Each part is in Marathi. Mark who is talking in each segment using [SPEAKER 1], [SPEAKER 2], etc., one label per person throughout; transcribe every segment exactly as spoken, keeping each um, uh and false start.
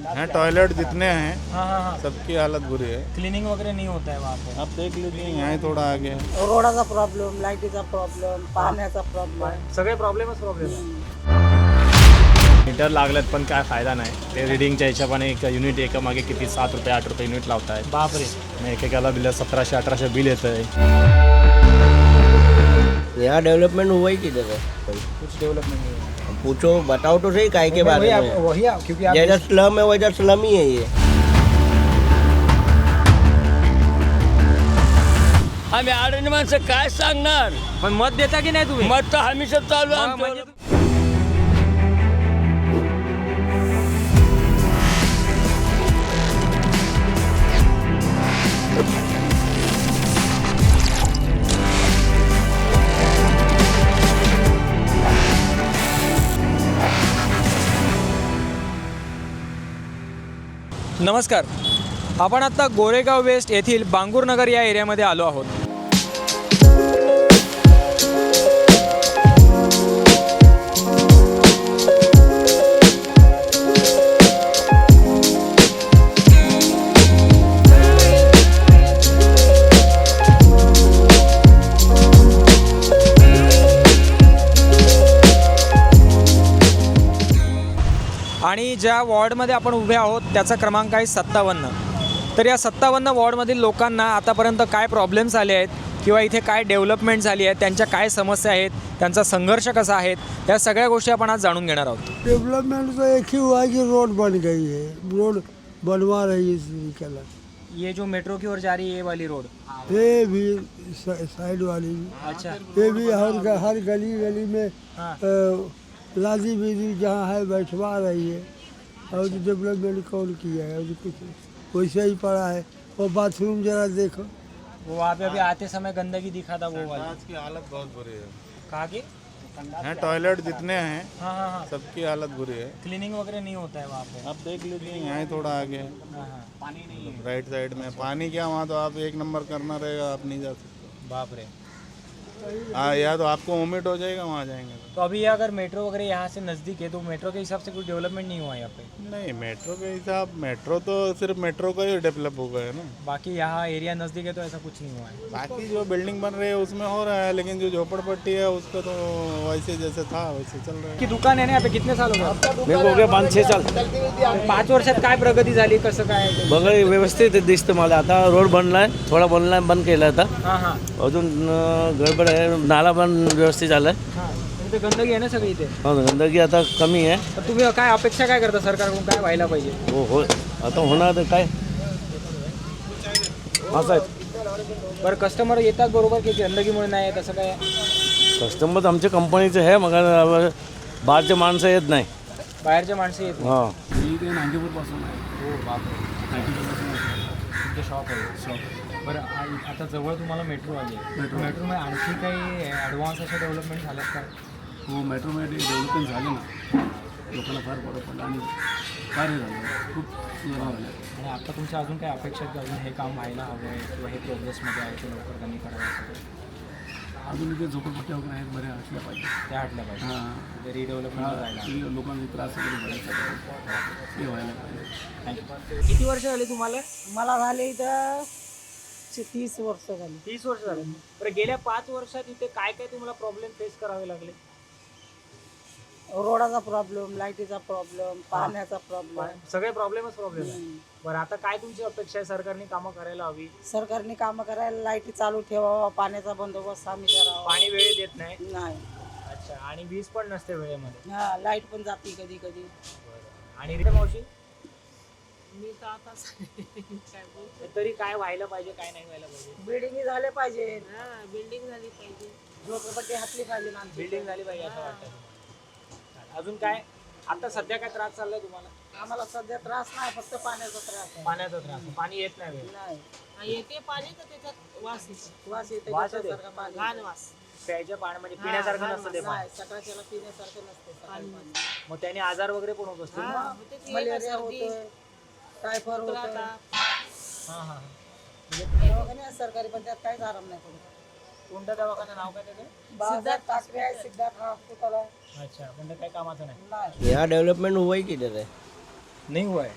[SPEAKER 1] हैं टॉयलेट जितने हैं
[SPEAKER 2] हाँ हाँ हाँ
[SPEAKER 1] सबकी हालत बुरी है।
[SPEAKER 2] क्लीनिंग वगैरह नहीं होता है वहाँ पे।
[SPEAKER 1] आप देख लीजिए यहाँ ही थोड़ा आगे है।
[SPEAKER 3] रोडाचा प्रॉब्लेम, लाईटीचा प्रॉब्लेम, पाण्याचा प्रॉब्लेम.
[SPEAKER 2] सगळे प्रॉब्लेमच प्रॉब्लेम.
[SPEAKER 4] मीटर लागलेत पण काय फायदा नाही. ते रिडिंगच्या हिशोबाने एक युनिट एका मागे किती सात रुपये आठ रुपये युनिट लावताय.
[SPEAKER 2] बापरे.
[SPEAKER 4] मग एकेकाला बिल सतराशे अठराशे बिल येतं आहे.
[SPEAKER 5] यहाँ डेवलपमेंट हुआ ही किधर है?
[SPEAKER 2] कुछ डेवलपमेंट नहीं है.
[SPEAKER 5] पूछो, बताओ तो सही काय के बारे
[SPEAKER 2] वही
[SPEAKER 5] में.
[SPEAKER 2] आप- वही आप- क्योंकि आप
[SPEAKER 5] जैसा स्लम है वैसा स्लम ही है ये.
[SPEAKER 6] आम्ही आडणी माणसं काय सांगणार.
[SPEAKER 2] पण मत देता की नाही तुम्ही?
[SPEAKER 6] मत तर हमेशा चालू आहे
[SPEAKER 2] मग
[SPEAKER 6] आमचं.
[SPEAKER 2] म्हणजे नमस्कार. आपण आता गोरेगाव वेस्ट येथील बांगूरनगर या एरियामध्ये आलो आहोत. आणि ज्या वॉर्डमध्ये आपण उभे आहोत त्याचा क्रमांक आहे सत्तावन्न. तर या सत्तावन्न वॉर्डमधील लोकांना आतापर्यंत काय प्रॉब्लेम्स आले आहेत किंवा इथे काय डेव्हलपमेंट झाली आहे, त्यांच्या काय समस्या आहेत, त्यांचा संघर्ष कसा आहे, या सगळ्या गोष्टी आपण आज जाणून घेणार आहोत.
[SPEAKER 7] डेवलपमेंट तो एक ही हुआ है कि रोड बन गई है, रोड बनवा रही है.
[SPEAKER 2] ये जो मेट्रो की ओर जा रही है ये वाली रोड.
[SPEAKER 7] ये भी साइड वाली भी.
[SPEAKER 2] अच्छा.
[SPEAKER 7] ये भी हर हर गली गली में
[SPEAKER 2] हाँ.
[SPEAKER 7] अ, लादी बीदी जहाँ है बैठवा रही है. और डेवलपमेंट कौन किया है? और कुछ वैसे ही पड़ा है. और बाथरूम जरा देखो.
[SPEAKER 2] वो वहाँ पे अभी आते समय गंदगी दिखा था वो वाला.
[SPEAKER 1] आज की हालत बहुत बुरी है।
[SPEAKER 2] कहा कि
[SPEAKER 1] हैं टॉयलेट जितने हैं
[SPEAKER 2] हाँ हाँ हाँ
[SPEAKER 1] सबकी हालत बुरी है।
[SPEAKER 2] क्लीनिंग वगैरह नहीं होता है वहाँ पे.
[SPEAKER 1] आप देख लीजिए यहाँ ही थोड़ा आगे है।
[SPEAKER 2] हाँ हाँ
[SPEAKER 1] राइट साइड में पानी क्या वहाँ तो आप एक नंबर करना रहेगा, आप नहीं जा सकते।
[SPEAKER 2] बाप रे.
[SPEAKER 1] हाँ या तो आपको वोमिट हो जाएगा वहाँ जाएंगे तो।
[SPEAKER 2] तो अभी ये अगर मेट्रो वगैरह यहाँ से नज़दीक है तो मेट्रो के हिसाब से कुछ डेवलपमेंट नहीं हुआ यहाँ पे.
[SPEAKER 1] नहीं मेट्रो के हिसाब मेट्रो तो सिर्फ मेट्रो का ही डेवलप हो गया है ना।
[SPEAKER 2] बाकी यहाँ एरिया नज़दीक है तो ऐसा कुछ नहीं हुआ है.
[SPEAKER 1] बाकी जो बिल्डिंग बन रही है उसमें हो रहा है, लेकिन जो झोपड़पट्टी है उसका तो वैसे जैसे था वैसे चल रहा है।
[SPEAKER 2] की दुकान आहे ना यहाँ पे कितने साल हो गए?
[SPEAKER 5] मेरे को हो गया पाच छह साल.
[SPEAKER 2] पाच वर्षात काय प्रगती झाली, कसं काय?
[SPEAKER 5] बघा व्यवस्थित दिसतं मला. आता रोड बनलाय, थोडा बनलाय, बंद केला आता.
[SPEAKER 2] हां हां
[SPEAKER 5] अजून अं, गडबड आहे. नाला पण व्यवस्थित झालाय.
[SPEAKER 2] हां. इथे गंदगी आहे ना सगळी इथे.
[SPEAKER 5] हो, गंदगी आता कमी आहे.
[SPEAKER 2] तर तुम्ही काय अपेक्षा काय करता सरकारकडून, काय व्हायला पाहिजे?
[SPEAKER 5] हो हो आता होणार तर काय असं आहे.
[SPEAKER 2] बरं कस्टमर येतात बरोबर की गंदगीमुळे नाही येत असं काय?
[SPEAKER 5] कस्टमर आमच्या कंपनीचे आहे, मग बाहेरचे माणसं येत नाही.
[SPEAKER 2] बाहेरचे माणसं येत नाही.
[SPEAKER 5] हां
[SPEAKER 8] मी ते नांदेपूरपासून आहे.
[SPEAKER 2] हो बापरे.
[SPEAKER 8] नांदेपूरपासून
[SPEAKER 2] तुमचं शॉप आहे.
[SPEAKER 8] शॉप.
[SPEAKER 2] बरं आ- आता जवळ तुम्हाला मेट्रो आली आहे. मेट्रो मेट्रोमध्ये आणखी काही ॲडव्हान्स अशा डेव्हलपमेंट झाल्यात का?
[SPEAKER 8] हो मेट्रोमध्ये डेव्हलपमेंट झालं ना, लोकांना फार बरं पडलं आणि कार्य झालं, खूप सुधारणा झाल्या.
[SPEAKER 2] आणि आता तुमच्या अजून काही अपेक्षा आहेत की अजून हे काम व्हायला हवं आहे किंवा हे प्रोग्रेसमध्ये आहे ते लवकर त्यांनी करावं असं काही?
[SPEAKER 8] अजून इथे झोपडपट्ट्या वगैरे आहेत, बऱ्या असल्या पाहिजे.
[SPEAKER 2] त्या हटल्या पाहिजे.
[SPEAKER 8] हां
[SPEAKER 2] म्हणजे रिडेव्हलपमेंट व्हायला.
[SPEAKER 8] की लोकांना त्रास वगैरे भरायचा ते व्हायला पाहिजे.
[SPEAKER 2] किती वर्ष झाली तुम्हाला?
[SPEAKER 3] मला झाले इथं ची- तीस वर्ष झाली.
[SPEAKER 2] तीस वर्ष झाले. बरं गेल्या पाच वर्षात इथे काय काय तुम्हाला प्रॉब्लेम फेस करावे लागले?
[SPEAKER 3] रोडाचा प्रॉब्लेम, लाईटीचा प्रॉब्लेम, पाण्याचा प्रॉब्लेम.
[SPEAKER 2] सगळे प्रॉब्लेमच प्रॉब्लेम आहे. बरं आता काय तुमची अपेक्षा आहे, सरकारने कामं करायला हवी?
[SPEAKER 3] सरकारने कामं करायला लाईटी चालू ठेवावा, पाण्याचा बंदोबस्त आम्ही करावा.
[SPEAKER 2] पाणी वेळेत देत नाही.
[SPEAKER 3] नाही.
[SPEAKER 2] अच्छा. आणि वीज पण नसते वेळेमध्ये.
[SPEAKER 3] हा लाईट पण जाते कधी कधी.
[SPEAKER 2] आणि रे मावशी
[SPEAKER 9] मी तर आता काय बोलतो.
[SPEAKER 2] तरी काय व्हायला पाहिजे, काय नाही व्हायला पाहिजे?
[SPEAKER 3] बिल्डिंग झाले पाहिजे,
[SPEAKER 9] हा बिल्डिंग झाली पाहिजे.
[SPEAKER 3] झोपडपट्टी हातली पाहिजे ना आमची.
[SPEAKER 2] बिल्डिंग झाली पाहिजे असं वाटतं. अजून काय आता सध्या काय त्रास चाललाय तुम्हाला?
[SPEAKER 3] आम्हाला सध्या त्रास नाही, फक्त पाण्याचा त्रास आहे.
[SPEAKER 2] पाण्याचा त्रास. पाणी येत नाही वेळ.
[SPEAKER 3] नाही.
[SPEAKER 9] हा, येते पाणी तर त्याच्यात वास येतो.
[SPEAKER 3] वास येते
[SPEAKER 2] वास येते?
[SPEAKER 3] गटारसारखा पाणी.
[SPEAKER 9] घाण वास.
[SPEAKER 2] प्यायच्या पाणी म्हणजे पिण्यासारखं नसतं ते पाणी.
[SPEAKER 3] नाही, सकाळच्याला पिण्यासारखं नसते सकाळी पाणी.
[SPEAKER 2] मग त्याने आजार वगैरे पण होत असतील ना?
[SPEAKER 9] हा, होते ती
[SPEAKER 3] मलेरिया
[SPEAKER 9] सर्दी,
[SPEAKER 3] होतोय, टायफॉइड होतोय.
[SPEAKER 9] उतराटा.
[SPEAKER 2] हा हा.
[SPEAKER 3] दवाखाने आहेत सरकारी, पण त्यात काहीच आराम नाही पडत.
[SPEAKER 2] कोणत्या दवाखान्याचं नाव काय त्याचं?
[SPEAKER 3] बाजारात टाकले आहे, सिद्धार्थ हॉस्पिटल आहे.
[SPEAKER 2] अच्छा. पण ते काही कामाचं नाही.
[SPEAKER 3] नाही.
[SPEAKER 5] यहाँ डेवलपमेंट हुआ ही किधर है?
[SPEAKER 2] नाही हुआ है.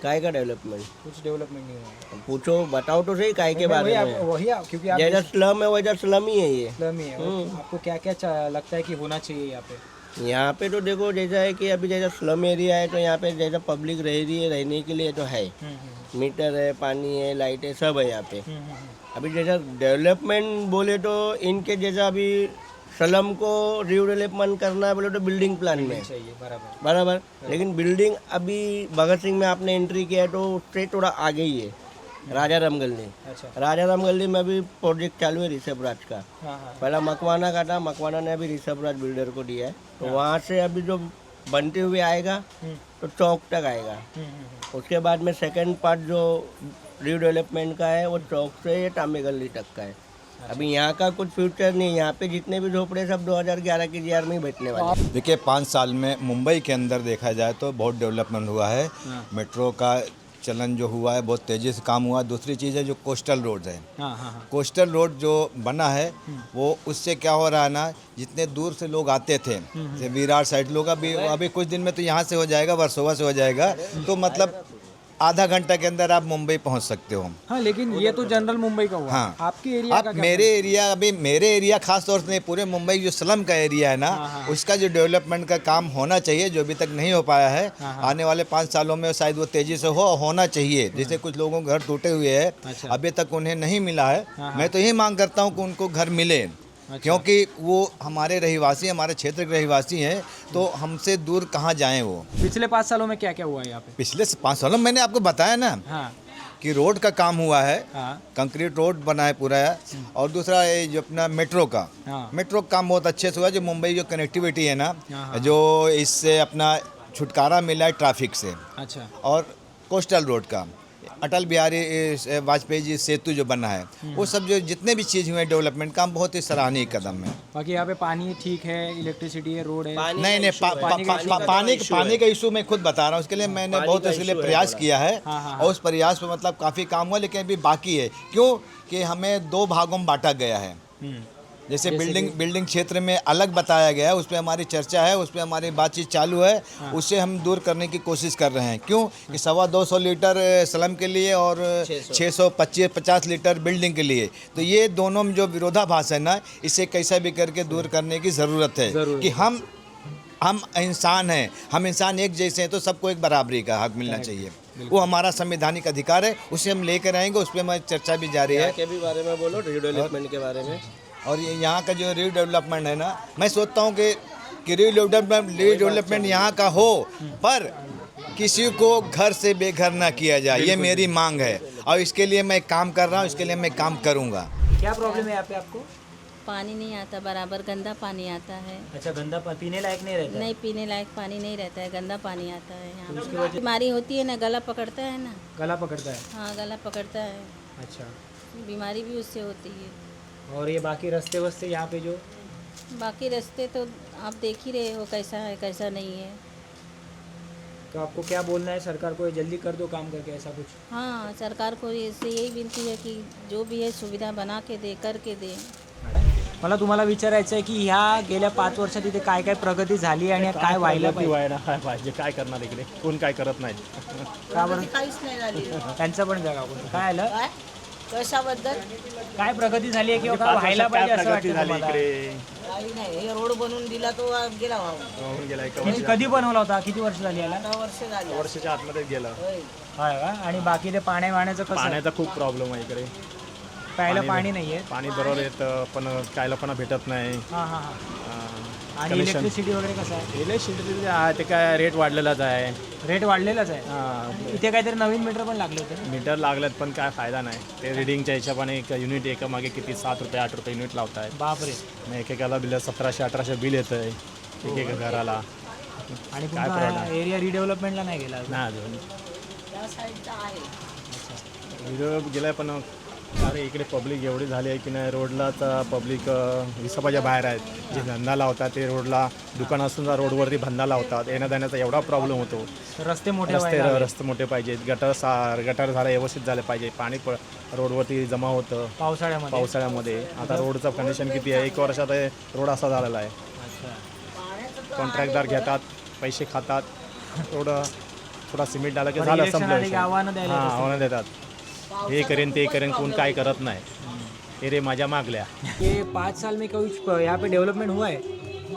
[SPEAKER 10] काय का डेवलपमेंट?
[SPEAKER 2] कुछ डेवलपमेंट नहीं हुआ है।
[SPEAKER 10] पूछो, बताओ तो सही काय के बारे
[SPEAKER 2] वही आप-
[SPEAKER 10] में।
[SPEAKER 2] वही आप- क्योंकि आप
[SPEAKER 10] जैसा स्लम है वैसा स्लम ही है ये।
[SPEAKER 2] इस्लामी है, आपको क्या क्या लगता है कि होना चाहिए यहाँ पे?
[SPEAKER 10] यहाँ पे तो देखो जैसा है कि अभी जैसा स्लम एरिया है तो यहाँ पे जैसा पब्लिक रह रही है रहने के लिए तो है, मीटर है, पानी है, लाइट है, सब है यहाँ पे। अभी जैसा डेवलपमेंट बोले तो इनके जैसा अभी स्लम को रिडेवलपमेंट करना है बोले तो बिल्डिंग प्लान में
[SPEAKER 2] चाहिए बराबर।
[SPEAKER 10] बराबर, लेकिन बिल्डिंग अभी भगत सिंह में आपने एंट्री किया है तो उससे थोड़ा आगे ही है, राजा राम गली।
[SPEAKER 2] अच्छा।
[SPEAKER 10] राजा राम गली में अभी प्रोजेक्ट चालू है ऋषभ राज का।
[SPEAKER 2] हाँ हाँ
[SPEAKER 10] पहला मकवाना का था, मकवाना ने अभी ऋषभ राज बिल्डर को दिया है, तो वहाँ से अभी जो बनते हुए आएगा तो चौक तक आएगा। उसके बाद में सेकंड पार्ट जो रीडेवलपमेंट का है वो चौक से तांबे गली तक का है। अभी यहाँ का कुछ फ्यूचर नहीं है, यहाँ पे जितने भी झोपड़े सब दो हज़ार ग्यारह के जीआर में ही बैठने वाले हैं।
[SPEAKER 11] देखिए पाँच साल में मुंबई के अंदर देखा जाए तो बहुत डेवलपमेंट हुआ है। मेट्रो का चलन जो हुआ है बहुत तेज़ी से काम हुआ है। दूसरी चीज़ है जो कोस्टल रोड है,
[SPEAKER 2] हाँ हाँ
[SPEAKER 11] कोस्टल रोड जो बना है वो उससे क्या हो रहा है ना, जितने दूर से लोग आते थे जैसे विरार साइड लोग, अभी अभी कुछ दिन में तो यहाँ से हो जाएगा, वर्सोवा से हो जाएगा, तो मतलब आधा घंटा के अंदर आप मुंबई पहुंच सकते हो।
[SPEAKER 2] हाँ, लेकिन ये तो जनरल मुंबई का हुआ।
[SPEAKER 11] हाँ।
[SPEAKER 2] आपके एरिया
[SPEAKER 11] आप
[SPEAKER 2] का क्या?
[SPEAKER 11] मेरे एरिया, अभी मेरे एरिया खास तौर से नहीं, पूरे मुंबई जो स्लम का एरिया है ना, उसका जो डेवलपमेंट का काम होना चाहिए जो अभी तक नहीं हो पाया है, आने वाले पाँच सालों में शायद वो तेजी से हो होना चाहिए। जैसे कुछ लोगों के घर टूटे हुए हैं, अभी तक उन्हें नहीं मिला है, मैं तो यही मांग करता हूँ कि उनको घर मिले, क्योंकि वो हमारे रहिवासी, हमारे क्षेत्र के रहिवासी हैं, तो हमसे दूर कहाँ जाएं वो।
[SPEAKER 2] पिछले पाँच सालों में क्या क्या हुआ है यहाँ पे?
[SPEAKER 11] पिछले पाँच सालों में मैंने आपको बताया ना
[SPEAKER 2] हाँ
[SPEAKER 11] कि रोड का काम हुआ है,
[SPEAKER 2] हाँ
[SPEAKER 11] कंक्रीट रोड बना है पूरा है, और दूसरा ये जो अपना मेट्रो का
[SPEAKER 2] हाँ।
[SPEAKER 11] मेट्रो का काम बहुत अच्छे से हुआ। जो मुंबई जो कनेक्टिविटी है ना,
[SPEAKER 2] हाँ।
[SPEAKER 11] जो इससे अपना छुटकारा मिला है ट्रैफिक से,
[SPEAKER 2] अच्छा।
[SPEAKER 11] और कोस्टल रोड का अटल बिहारी ए, वाजपेयी जी सेतु जो बना है, वो सब जो जितने भी चीज़ हुए डेवलपमेंट काम बहुत ही सराहनीय कदम है।
[SPEAKER 2] बाकी यहाँ पे पानी ठीक है, इलेक्ट्रिसिटी है, रोड है?
[SPEAKER 11] नहीं नहीं पा, पा, पा, पा, पानी पानी का इशू मैं खुद बता रहा हूँ, उसके लिए मैंने बहुत उसके लिए प्रयास किया है, और उस प्रयास पे मतलब काफ़ी काम हुआ, लेकिन अभी बाकी है। क्यों कि हमें दो भागों में बांटा गया है। जैसे बिल्डिंग बिल्डिंग क्षेत्र में अलग बताया गया है, उस पर हमारी चर्चा है, उस पर हमारी बातचीत चालू है, उससे हम दूर करने की कोशिश कर रहे हैं। क्यों कि सवा दो सौ लीटर स्लम के लिए और छः सौ पच्चीस पचास लीटर बिल्डिंग के लिए, तो ये दोनों में जो विरोधाभास है ना, इसे कैसा भी करके दूर करने की ज़रूरत है कि हम हम इंसान हैं, हम इंसान एक जैसे हैं, तो सबको एक बराबरी का हक मिलना चाहिए। वो हमारा संवैधानिक अधिकार है, उसे हम लेकर आएंगे, उस पर हमारी चर्चा भी जारी है।
[SPEAKER 10] के भी बारे में बोलो, रिडेवलपमेंट के बारे में।
[SPEAKER 11] और ये यहाँ का जो रीडेवलपमेंट है ना, मैं सोचता हूँ कि कि रीडेवलपमेंट रीडेवलपमेंट यहाँ का हो, पर किसी को घर से बेघर ना किया जाए, ये मेरी मांग है, और इसके लिए मैं काम कर रहा हूँ, इसके लिए मैं काम करूँगा।
[SPEAKER 2] क्या प्रॉब्लम है यहाँ पे आपको?
[SPEAKER 12] पानी नहीं आता बराबर, गंदा पानी आता है।
[SPEAKER 2] अच्छा, गंदा पा- पीने लायक नहीं रहता?
[SPEAKER 12] नहीं, पीने लायक पानी नहीं रहता है, गंदा पानी आता है यहाँ पे। बीमारी होती है ना, गला पकड़ता है ना।
[SPEAKER 2] गला पकड़ता है?
[SPEAKER 12] हाँ, गला पकड़ता है,
[SPEAKER 2] अच्छा।
[SPEAKER 12] बीमारी भी उससे होती है।
[SPEAKER 2] और ये बाकी रास्ते वस्ते यहाँ पे जो
[SPEAKER 12] बाकी रास्ते तो आप देख ही रहे हो कैसा है कैसा नहीं है।
[SPEAKER 2] तो आपको क्या बोलना है सरकार को, ये जल्दी कर दो काम करके ऐसा कुछ?
[SPEAKER 12] हाँ, सरकार को इससे यही विनती है कि जो भी है सुविधा बना के दे, करके दे।
[SPEAKER 2] मला तुम्हाला विचारायचं आहे की ह्या गेल्या पाच वर्षात इथे काय काय प्रगती झाली आणि काय व्हायला
[SPEAKER 4] प्रगती व्हायला काय पाहिजे, काय करणार इकडे, कोण काय करत नाही.
[SPEAKER 2] का बरं?
[SPEAKER 3] काहीच नाही झाली.
[SPEAKER 2] त्यांचं पण जगा कोणतं काय आलं,
[SPEAKER 3] काय कशाबद्दल
[SPEAKER 2] काय प्रगती झाली आहे किंवा
[SPEAKER 4] पाच
[SPEAKER 2] काय व्हायला
[SPEAKER 4] वर्षात
[SPEAKER 2] पाहिजे
[SPEAKER 4] काय
[SPEAKER 2] असं
[SPEAKER 4] प्रगती
[SPEAKER 2] वाटतं
[SPEAKER 4] झाली
[SPEAKER 2] तुम्हाला?
[SPEAKER 4] इकडे,
[SPEAKER 3] काही नाही. हे रोड बनवून दिला तो गेला व्हावं.
[SPEAKER 4] होऊन गेला एका
[SPEAKER 2] किती- कधी बनवला होता, किती वर्ष झाली याला?
[SPEAKER 3] दहा वर्ष झाली.
[SPEAKER 4] वर्षाच्या आतमध्ये गेलं.
[SPEAKER 3] होय.
[SPEAKER 2] होय का? आणि बाकी ते पाण्या वाण्याचं कसं?
[SPEAKER 4] पाण्याचा खूप प्रॉब्लेम आहे इकडे,
[SPEAKER 2] प्यायला पाणी नाहीये.
[SPEAKER 4] पाणी बरोबर येतं पण प्यायला पण भेटत नाही.
[SPEAKER 2] हां हां हां.
[SPEAKER 4] अं,
[SPEAKER 2] आणि
[SPEAKER 4] connection-
[SPEAKER 2] इलेक्ट्रिसिटी वगैरे कसं आहे?
[SPEAKER 4] इलेक्ट्रिसिटी जे आहे ते काय रेट वाढलेलाच आहे.
[SPEAKER 2] रेट वाढलेलाच आहे.
[SPEAKER 4] हां,
[SPEAKER 2] इथे काहीतरी नवीन मीटर पण लागले होते.
[SPEAKER 4] मीटर लागलेत पण काय फायदा नाही. ते रिडिंगच्या हिशोबाने एक युनिट एका मागे किती सात रुपये आठ रुपये युनिट लावत आहेत.
[SPEAKER 2] बापरे.
[SPEAKER 4] मग एकेकाला बिल सतराशे अठराशे बिल येतं आहे एकेका घराला.
[SPEAKER 2] आणि
[SPEAKER 4] काय
[SPEAKER 2] तुमचा
[SPEAKER 4] problem?
[SPEAKER 2] एरिया रिडेव्हलपमेंटला नाही गेला अजून?
[SPEAKER 4] नाही अजून
[SPEAKER 3] त्या साईडचा आहे.
[SPEAKER 4] व्हिडिओ गेलाय पण अरे इकडे पब्लिक एवढी झाली आहे की नाही, रोडला तर पब्लिक हिशोबाच्या बाहेर आहेत. जे धंदा लावतात ते रोडला, दुकान असून रोडवरती धंदा लावतात, येण्या जाण्याचा एवढा प्रॉब्लेम होतो.
[SPEAKER 2] रस्ते मोठे
[SPEAKER 4] रस्ते
[SPEAKER 2] व्हायला हवे.
[SPEAKER 4] रस्ते मोठे पाहिजेत, गटर सा गटर झालं व्यवस्थित झालं पाहिजे, पाणी प रोडवरती जमा होतं
[SPEAKER 2] पावसाळ्यामध्ये.
[SPEAKER 4] पावसाळ्यामध्ये. आता रोडचं कंडिशन किती आहे, एक वर्षात हे रोड असा झालेला आहे.
[SPEAKER 2] अच्छा.
[SPEAKER 4] कॉन्ट्रॅक्टदार घेतात, पैसे खातात, रोड थोडा सिमेंट डाला की
[SPEAKER 2] बरं,
[SPEAKER 4] झालं
[SPEAKER 2] election
[SPEAKER 4] संपलं
[SPEAKER 2] आले की
[SPEAKER 4] विषय.
[SPEAKER 2] आव्हानं द्यायला
[SPEAKER 4] हां
[SPEAKER 2] येतात
[SPEAKER 4] आव्हानं देतात हे करेन ते करेन कोण काय करत नाही हे रे माझ्या मागल्या
[SPEAKER 2] ये पाँच साल में कुछ यहाँ पे डेवलपमेंट हुआ है?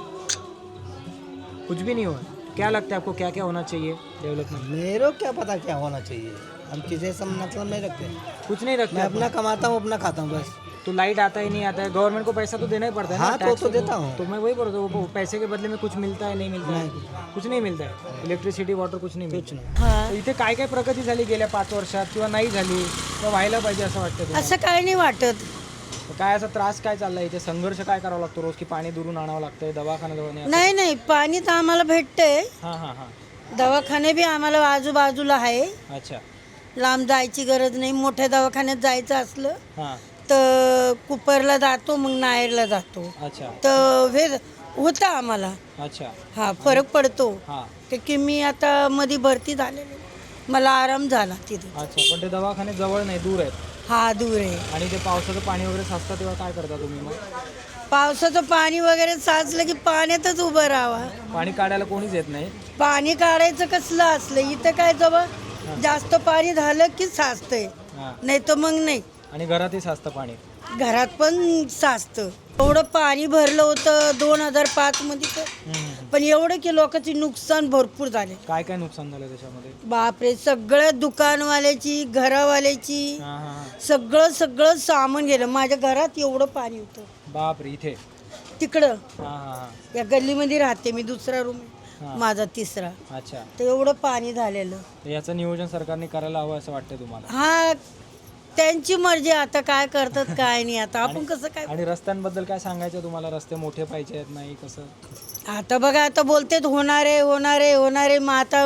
[SPEAKER 2] कुछ भी नहीं हुआ। क्या लगता है आपको क्या क्या होना चाहिए डेवलपमेंट?
[SPEAKER 10] मेरे को क्या पता क्या होना चाहिए, हम किसी से मतलब नहीं रखते।
[SPEAKER 2] कुछ नहीं रखते
[SPEAKER 10] मैं
[SPEAKER 2] आप?
[SPEAKER 10] अपना कमाता हूँ, अपना खाता हूँ बस।
[SPEAKER 2] तो लाइट आता ही नहीं आता है, गवर्नमेंट को पैसा तो देना ही पड़ता है
[SPEAKER 10] हाँ,
[SPEAKER 2] ना,
[SPEAKER 10] तो
[SPEAKER 2] टैक्स
[SPEAKER 10] तो देता हूँ।
[SPEAKER 2] तो मैं वही बोल रहा हूँ, वो पैसे के बदले में कुछ मिलता है नहीं मिलता है? कुछ नाही मिळत आहे, इलेक्ट्रिसिटी वॉटर कुछ नाही मिळत. तर इथे काय काय प्रगती झाली गेल्या पाच वर्षात किंवा नाही झाली किंवा व्हायला पाहिजे असं वाटतं तुम्हाला?
[SPEAKER 3] असं काय नाही वाटत.
[SPEAKER 2] काय असा त्रास काय चाललाय इथे, संघर्ष काय करावा लागतो रोज, की पाणी दुरून आणावं लागतंय, दवाखाना जवळ नाही?
[SPEAKER 3] नाही नाही पाणी तर आम्हाला भेटतंय,
[SPEAKER 2] हां हां हां.
[SPEAKER 3] दवाखाने बी आम्हाला आजूबाजूला आहे,
[SPEAKER 2] अच्छा.
[SPEAKER 3] लांब जायची गरज नाही. मोठ्या दवाखान्यात जायचं असलं
[SPEAKER 2] हां.
[SPEAKER 3] तर कुपरला जातो, मग नायरला जातो.
[SPEAKER 2] अच्छा
[SPEAKER 3] तर हे होतं आम्हाला.
[SPEAKER 2] अच्छा.
[SPEAKER 3] हा फरक पडतो.
[SPEAKER 2] हां.
[SPEAKER 3] ते की मी आता मध्ये भरती झालेली, मला आराम झाला तिथे.
[SPEAKER 2] अच्छा, पण ते दवाखाने जवळ नाही, दूर आहेत.
[SPEAKER 3] हा दूर आहे.
[SPEAKER 2] आणि ते पावसाचं पाणी वगैरे साचतं तेव्हा काय करता तुम्ही मग?
[SPEAKER 3] पावसाचं पाणी वगैरे साचलं की पाण्यातच उभं राहावा.
[SPEAKER 2] पाणी काढायला कोणीच येत नाही.
[SPEAKER 3] पाणी काढायचं कसलं असलं, इथं काय जवळ जास्त पाणी झालं की साचतंय,
[SPEAKER 2] हां.
[SPEAKER 3] नाही तर मग नाही.
[SPEAKER 2] आणि घरातही साचतं पाणी.
[SPEAKER 3] घरात पण साचतं. एवढं पाणी भरलं होतं दोन हजार पाच मध्ये तर, पण एवढं की लोकांची नुकसान भरपूर झाले.
[SPEAKER 2] काय काय नुकसान झालं त्याच्यामध्ये?
[SPEAKER 3] बापरे, सगळं दुकानवाल्याची, घरावाल्याची,
[SPEAKER 2] हां हां हां.
[SPEAKER 3] सगळं सगळं सामान गेलं. माझ्या घरात एवढं पाणी होतं.
[SPEAKER 2] बापरे, इथे?
[SPEAKER 3] तिकडं
[SPEAKER 2] हां हां हां.
[SPEAKER 3] या गल्लीमध्ये राहते मी, दुसरा रूम माझा तिसरा.
[SPEAKER 2] अच्छा.
[SPEAKER 3] तर एवढं पाणी झालेलं.
[SPEAKER 2] तर याचं नियोजन सरकारने करायला हवं असं वाटतं तुम्हाला?
[SPEAKER 3] हा त्यांची मर्जी, आता काय करतात काय नाही. आता आपण कसं काय.
[SPEAKER 2] आणि रस्त्यांबद्दल काय सांगायचं तुम्हाला? रस्ते मोठे पाहिजे आहेत, नाही कसं?
[SPEAKER 3] आता बघा, आता बोलतेत होणारे होणारे होणारे, मग आता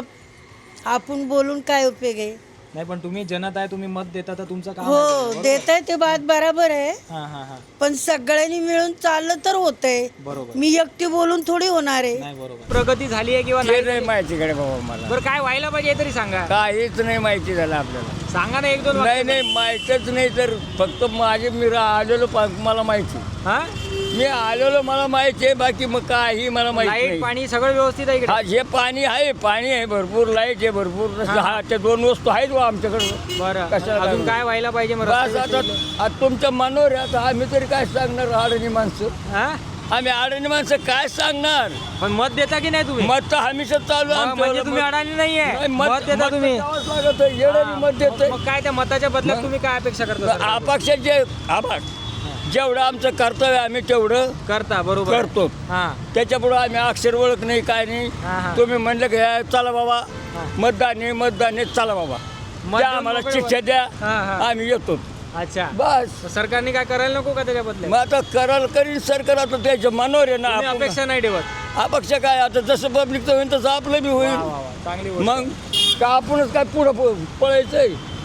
[SPEAKER 3] आपण बोलून काय उपयोग आहे.
[SPEAKER 2] नाही, पण तुम्ही जनता आहे, तुम्ही मत देता, तर तुमचं काम आहे.
[SPEAKER 3] हो देत आहे ते बात बरोबर आहे,
[SPEAKER 2] हां हां हां.
[SPEAKER 3] पण सगळ्यांनी मिळून चाललं तर होतंय.
[SPEAKER 2] बरोबर.
[SPEAKER 3] मी एकटी बोलून थोडी होणार आहे.
[SPEAKER 2] नाही, बरोबर. प्रगती झाली आहे किंवा
[SPEAKER 6] ते
[SPEAKER 2] नाही?
[SPEAKER 6] नाही माहितीकडे बाबा मला,
[SPEAKER 2] बरं, काय व्हायला पाहिजे हे तरी सांगा.
[SPEAKER 6] काहीच नाही माहिती झालं आपल्याला.
[SPEAKER 2] सांगा ना एक दोन
[SPEAKER 6] नाही
[SPEAKER 2] वाक्यात.
[SPEAKER 6] नाही माहीतच नाही, तर फक्त माझे मी रा- आलेलो पा- मला माहिती,
[SPEAKER 2] हां?
[SPEAKER 6] मी आलेलो मला माहिती आहे, बाकी मग काही मला माहिती
[SPEAKER 2] लाईट
[SPEAKER 6] नाही.
[SPEAKER 2] पाणी सगळं व्यवस्थित आहे इकडे?
[SPEAKER 6] हा जे पाणी आहे, पाणी आहे भरपूर, लाईट आहे भरपूर. हा त्या दोन वस्तू आहेत बा आमच्याकडे.
[SPEAKER 2] बरं,
[SPEAKER 6] कशाला
[SPEAKER 2] अजून
[SPEAKER 6] काय?
[SPEAKER 2] काय व्हायला पाहिजे मग?
[SPEAKER 6] बस
[SPEAKER 2] रस्ते
[SPEAKER 6] आता
[SPEAKER 2] बिस्ते?
[SPEAKER 6] आता तुमच्या मनावर आहे. आता आम्ही तरी काय सांगणार, अडाणी माणसं.
[SPEAKER 2] हां?
[SPEAKER 6] आम्ही अडाणी माणसं काय सांगणार.
[SPEAKER 2] पण मत देता की नाही तुम्ही?
[SPEAKER 6] मत तर हमेशा चालू आहे
[SPEAKER 2] मग
[SPEAKER 6] आमचं.
[SPEAKER 2] म्हणजे तुम्ही अडाणी नाहीये,
[SPEAKER 6] नाही,
[SPEAKER 2] मत देता
[SPEAKER 6] मत
[SPEAKER 2] तुम्ही.
[SPEAKER 6] द्यावंच लागत आहे. येणारी मत देतोय.
[SPEAKER 2] मग काय त्या मताच्या बदल्यात तुम्ही काय अपेक्षा करता?
[SPEAKER 6] अपक्ष जे आभार जेवढं आमचं कर्तव्य आम्ही तेवढं
[SPEAKER 2] करता, बरोबर
[SPEAKER 6] करतो.
[SPEAKER 2] हां.
[SPEAKER 6] त्याच्यापुढं आम्ही अक्षर ओळख नाही, काय नाही.
[SPEAKER 2] हां, हां.
[SPEAKER 6] तुम्ही म्हणलं की "हे, चला बाबा मतदान आहे, मतदान आहे, चला बाबा द्या
[SPEAKER 2] मतदान
[SPEAKER 6] आम्हाला
[SPEAKER 2] मोकळं
[SPEAKER 6] शिक्षा द्या,
[SPEAKER 2] हां, हां.
[SPEAKER 6] आम्ही येतो."
[SPEAKER 2] अच्छा,
[SPEAKER 6] बस.
[SPEAKER 2] मग सरकारने काय करायला नको का त्याच्या बदल्यात?
[SPEAKER 6] मग आता कराल करीन सरकार, आता त्याच्या मनावर आहे ना.
[SPEAKER 2] तुम्ही
[SPEAKER 6] आपण-
[SPEAKER 2] अपेक्षा नाही ठेवत?
[SPEAKER 6] अपेक्षा काय, आता जसं पब्लिकचं होईल तसं आपलं बी
[SPEAKER 2] वा,
[SPEAKER 6] होईल.
[SPEAKER 2] वा, वा. चांगली गोष्ट.
[SPEAKER 6] मग का आपणच काय पुढं प- पळायचंय?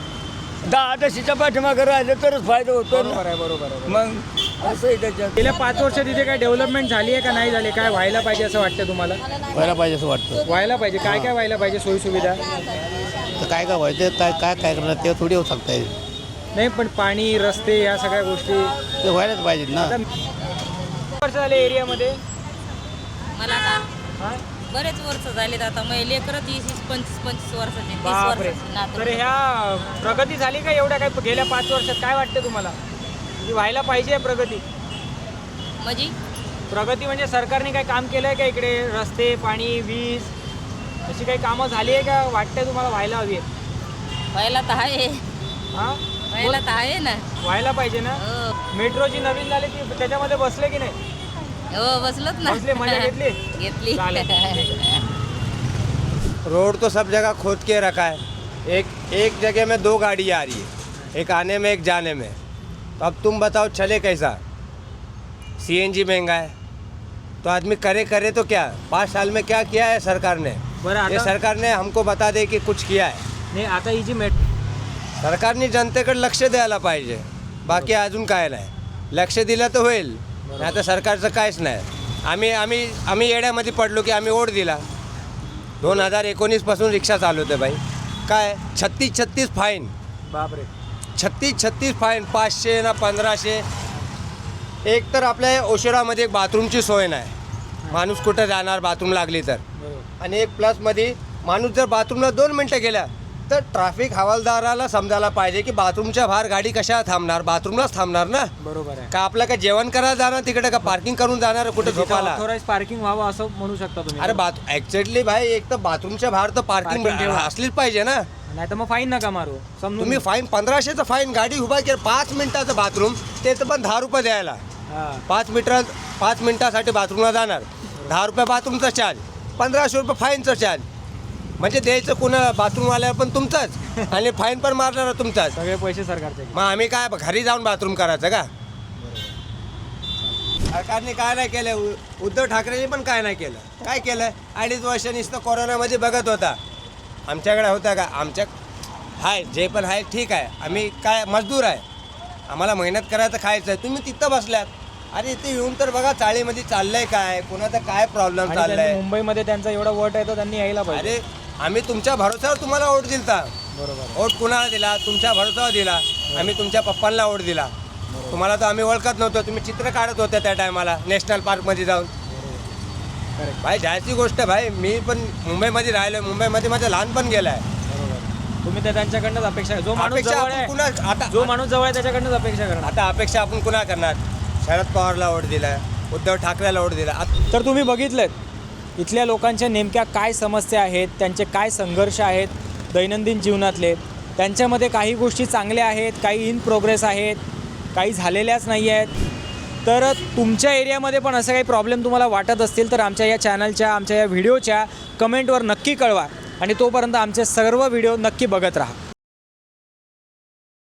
[SPEAKER 6] दहा दशीच्या पाठीमागं राहिलं तरच फायदा होतो ना.
[SPEAKER 2] बरोबर आहे, बरोबर आहे.
[SPEAKER 6] मग असं आहे त्याच्यात.
[SPEAKER 2] गेल्या पाच वर्षात इथे काय डेव्हलपमेंट झाली आहे का नाही झाली? काय व्हायला पाहिजे असं वाटतं तुम्हाला?
[SPEAKER 5] व्हायला पाहिजे असं वाटतं.
[SPEAKER 2] व्हायला पाहिजे. काय काय व्हायला पाहिजे सोयी सुविधा?
[SPEAKER 5] तर काय काय व्हायचं, काय काय काय करणार ते थोडी होऊ शकता.
[SPEAKER 2] नाही, पण पाणी, रस्ते, या सगळ्या गोष्टी
[SPEAKER 5] ते व्हायलाच पाहिजेत ना.
[SPEAKER 2] वर्ष झाले एरियामध्ये?
[SPEAKER 12] मला का
[SPEAKER 2] हां?
[SPEAKER 12] बरेच वर्ष झालेत आता, मग लेकरं तीस पंचवीस पंचवीस वर्षाचे, तीस
[SPEAKER 2] बापरे.
[SPEAKER 12] वर्षाचे नातू.
[SPEAKER 2] तर ह्या प्रगती झाली का एवढ्या काय गेल्या पाच वर्षात? काय वाटतं तुम्हाला की व्हायला पाहिजे प्रगती?
[SPEAKER 12] म्हणजे
[SPEAKER 2] प्रगती म्हणजे सरकारने काय काम केलं आहे का इकडे? रस्ते, पाणी, वीज अशी काही कामं झाली आहे का? वाटतंय तुम्हाला व्हायला हवी आहे?
[SPEAKER 12] व्हायला तर आहे,
[SPEAKER 2] हां,
[SPEAKER 12] व्हायला तर आहे ना.
[SPEAKER 2] व्हायला पाहिजे ना.
[SPEAKER 12] हो
[SPEAKER 2] मेट्रोची नवीन झाली ती, त्याच्यामध्ये बसले की नाही?
[SPEAKER 12] हो बसलोत ना.
[SPEAKER 2] बसले, मजा घेतली?
[SPEAKER 12] घेतली.
[SPEAKER 2] चालेल, ठीक आहे.
[SPEAKER 10] रोड तो सब जगह खोद के रखा है. एक एक जगह में दो गाड़ी आ रही है, एक आने में एक जाने में. तो अब तुम बताओ चले कैसा? सीएनजी महंगा है, तो आदमी करे करे तो क्या? पाँच साल में क्या किया है सरकार ने?
[SPEAKER 2] बरं,
[SPEAKER 10] ये
[SPEAKER 2] आता
[SPEAKER 10] सरकार ने हमको बता दे की कुछ किया है.
[SPEAKER 2] नाही, आता ही जी मेट्रो
[SPEAKER 10] सरकारने जनतेकडे लक्ष द्यायला पाहिजे. बाकी अजून काय नाही. लक्ष दिलं तर होईल, नाही तर सरकारचं काहीच नाही. आम्ही आम्ही आम्ही येड्यामध्ये पडलो की आम्ही ओढ दिला. दोन हजार एकोणीसपासून रिक्षा चालवते बाई. काय छत्तीस छत्तीस फाईन,
[SPEAKER 2] बापरे.
[SPEAKER 10] छत्तीस छत्तीस फाईन, पाचशे ना पंधराशे. एक तर आपल्या ओशिरामध्ये एक बाथरूमची सोय नाही, माणूस कुठं जाणार बाथरूम लागली तर.
[SPEAKER 2] बरोबर.
[SPEAKER 10] आणि एक प्लसमध्ये माणूस जर बाथरूमला दोन मिनटं गेला तर ट्रॅफिक हवालदाराला समजायला पाहिजे की बाथरूमच्या बाहेर गाडी कशा थांबणार, बाथरूमलाच थांबणार ना.
[SPEAKER 2] बरोबर आहे.
[SPEAKER 10] का आपलं काय जेवण करायला जाणार तिकडे, का पार्किंग करून जाणार कुठे झोपायला.
[SPEAKER 2] ऑथोराइज पार्किंग व्हावं असं म्हणू शकता तुम्ही.
[SPEAKER 10] अरे बाथ ॲक्च्युअली भाई एक तर बाथरूमच्या बाहेर तर पार्किंग
[SPEAKER 2] Parking ठेवा.
[SPEAKER 10] असलीच पाहिजे ना.
[SPEAKER 2] नाही तर मग फाईन नका मारू. समजून
[SPEAKER 10] तुम्ही फाईन पंधराशेचं फाईन, गाडी उभा केलं पाच मिनिटाचं बाथरूम ते तर पण दहा रुपये द्यायला.
[SPEAKER 2] हां.
[SPEAKER 10] पाच मीटर पाच मिनिटासाठी बाथरूमला जाणार, दहा रुपये बाथरूमचा चार्ज, पंधराशे रुपये फाईनचं चार्ज. म्हणजे द्यायचं कुणा बाथरूमवाल्यावर पण तुमचाच आणि फाईन पण मारणार तुमचाच.
[SPEAKER 2] सगळे पैसे सरकारचे.
[SPEAKER 10] मग आम्ही काय घरी जाऊन बाथरूम करायचं का? सरकारने काय नाही केलं, उ- उद्धव ठाकरेंनी पण काय नाही केलं. काय केलं? अडीच वर्ष नुसतं कोरोनामध्ये बघत होता. आमच्याकडे होता का? आमच्या हाय जे पण आहे ठीक आहे, आम्ही काय मजदूर आहे, आम्हाला मेहनत करायचं खायचं आहे. तुम्ही तिथं बसल्यात. अरे इथे येऊन तर बघा चाळीमध्ये चाललंय काय, कोणाचा काय प्रॉब्लेम
[SPEAKER 2] आणि त्यांनी
[SPEAKER 10] चाललाय.
[SPEAKER 2] मुंबईमध्ये त्यांचा एवढा वोट आहे तर त्यांनी यायला पाहिजे.
[SPEAKER 10] अरे आम्ही तुमच्या भरोश्यावर तुम्हाला वोट दिलता.
[SPEAKER 2] बरोबर.
[SPEAKER 10] वोट कुणाला दिला? तुमच्या भरोसावर दिला. आम्ही तुमच्या पप्पांना वोट दिला. तुम्हाला तर आम्ही ओळखत नव्हतो. तुम्ही चित्र काढत होते त्या टायमाला नॅशनल पार्कमध्ये जाऊन. भाई जायची गोष्ट भाई, मी पण मुंबईमध्ये राहिलो, मुंबईमध्ये माझं लहानपण गेलं आहे.
[SPEAKER 2] तुम्ही तर त्यांच्याकडनंच अपेक्षा, जो माणूस
[SPEAKER 10] अपेक्षा
[SPEAKER 2] जवळ
[SPEAKER 10] आपण
[SPEAKER 2] आहे,
[SPEAKER 10] कुणा आता
[SPEAKER 2] जो माणूस जवळ आहे त्याच्याकडनंच अपेक्षा करणार.
[SPEAKER 10] आता अपेक्षा आपण कुणा करणार? शरद पवारला वोट दिला, उद्धव ठाकरेला वोट दिला. आत-
[SPEAKER 2] तर तुम्ही बघितलेत इथल्या लोकांच्या नेमक्या काय समस्या आहेत, त्यांचे काय संघर्ष आहेत दैनंदिन जीवनातले. त्यांच्यामध्ये काही गोष्टी चांगल्या आहेत, काही इन प्रोग्रेस आहेत, काही झालेल्याच नाही आहेत. तर तुमच्या एरियामध्ये पण असं काही प्रॉब्लेम तुम्हाला वाटत असतील तर आमच्या या चॅनलच्या, आमच्या या व्हिडिओच्या कमेंटवर नक्की कळवा. आणि तोपर्यंत आमचे सर्व व्हिडिओ नक्की बघत राहा.